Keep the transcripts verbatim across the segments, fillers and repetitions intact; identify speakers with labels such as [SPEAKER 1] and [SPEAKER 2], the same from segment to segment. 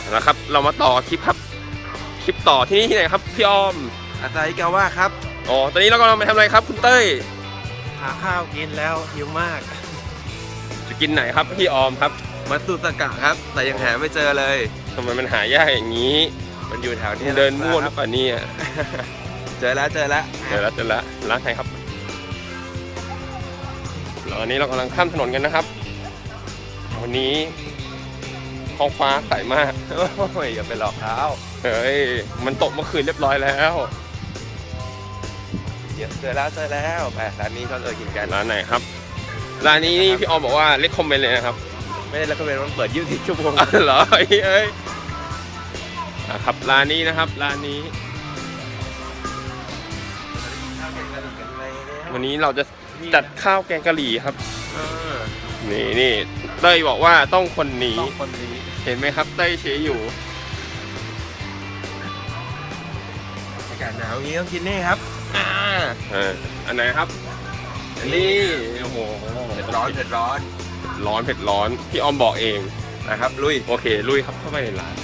[SPEAKER 1] นะครับเรามาต่อคลิปครับคลิปต่อที่นี่ที่ไหนครับพี่ออม
[SPEAKER 2] อาซาฮิกาว่าครับ
[SPEAKER 1] อ๋อตอนนี้เรากำลังไปทำอะไรครับคุณเต้ย
[SPEAKER 3] หาข้าวกินแล้วหิวมาก
[SPEAKER 1] จะกินไหนครับพี่ออมครับ
[SPEAKER 2] มัตสึสกะครับ แต่ยังหาไม่เจอเลย
[SPEAKER 1] ทำไมมันหายากอย่างนี้
[SPEAKER 2] มันอยู่แถวนี้
[SPEAKER 1] เดินมั่วหรือเปล่าเนี่ย
[SPEAKER 2] เจอแล้วเจอแล้ว
[SPEAKER 1] เดี๋ยวเราจะละร้านไหนครับแล้วอันนี้เรากำลังข้ามถนนกันนะครับวันนี้ท้องฟ้าใสมาก
[SPEAKER 2] โอ้ยอย่าไปหลอกเขา
[SPEAKER 1] เฮ้ยมันตกเมื่อคืนเรียบร้อยแล้ว
[SPEAKER 2] เดี๋ยวเจอแล้วเจอแล้วไปร้านนี้เขาเออกินกัน
[SPEAKER 1] ร้านไหนครับร้านนี้นี่พี่ออมบอกว่าเลคคอมเมนต์เลยนะครับ
[SPEAKER 2] ไม่ได้แล้วก็เป็นมันเปิดยี่สิบสี่ชั่วโมง
[SPEAKER 1] อ๋อเหรอเอ้ยเอ้ยอ่ะครับร้านนี้นะครับร้านนี้ วันนี้เราจะจัดข้าวแกงกะหรี่ครับ
[SPEAKER 2] เออ
[SPEAKER 1] นี่นี่เต้ยบอกว่าต้องคนนี้
[SPEAKER 2] ต้องคนนี้
[SPEAKER 1] เห็นไหมครับเต้ยเชยอยู่
[SPEAKER 2] อากาศหนาวอย่างนี้ต้องกินนี่ครับอ่า
[SPEAKER 1] เอออันไหนครับอันนี้โอ้โห
[SPEAKER 2] เผ็ดร้อนเผ็ดร้อน
[SPEAKER 1] ร้อนเผ็ดร้อนพี่ออมบอกเอง
[SPEAKER 2] นะครับลุย
[SPEAKER 1] โอเคลุยครับเข้าไปในร้าน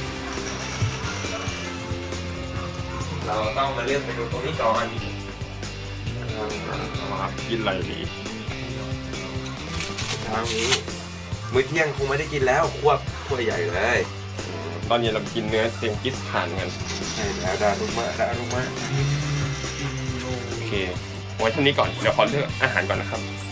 [SPEAKER 2] เราต้องมาเลือกเมนูตรงนี้ก่อน
[SPEAKER 1] ครับกินอะไรดี
[SPEAKER 2] ทางนี้มื้อเที่ยงคงไม่ได้กินแล้วควบควบใหญ่เลย
[SPEAKER 1] ตอนเย็นเรากินเนื้อเซงกิสขานกัน
[SPEAKER 2] ใช่แล้วดารุมะดารุมะ
[SPEAKER 1] โอเคไว้เท่านี้ก่อนเดี๋ยวขอเลือกอาหารก่อนนะครับ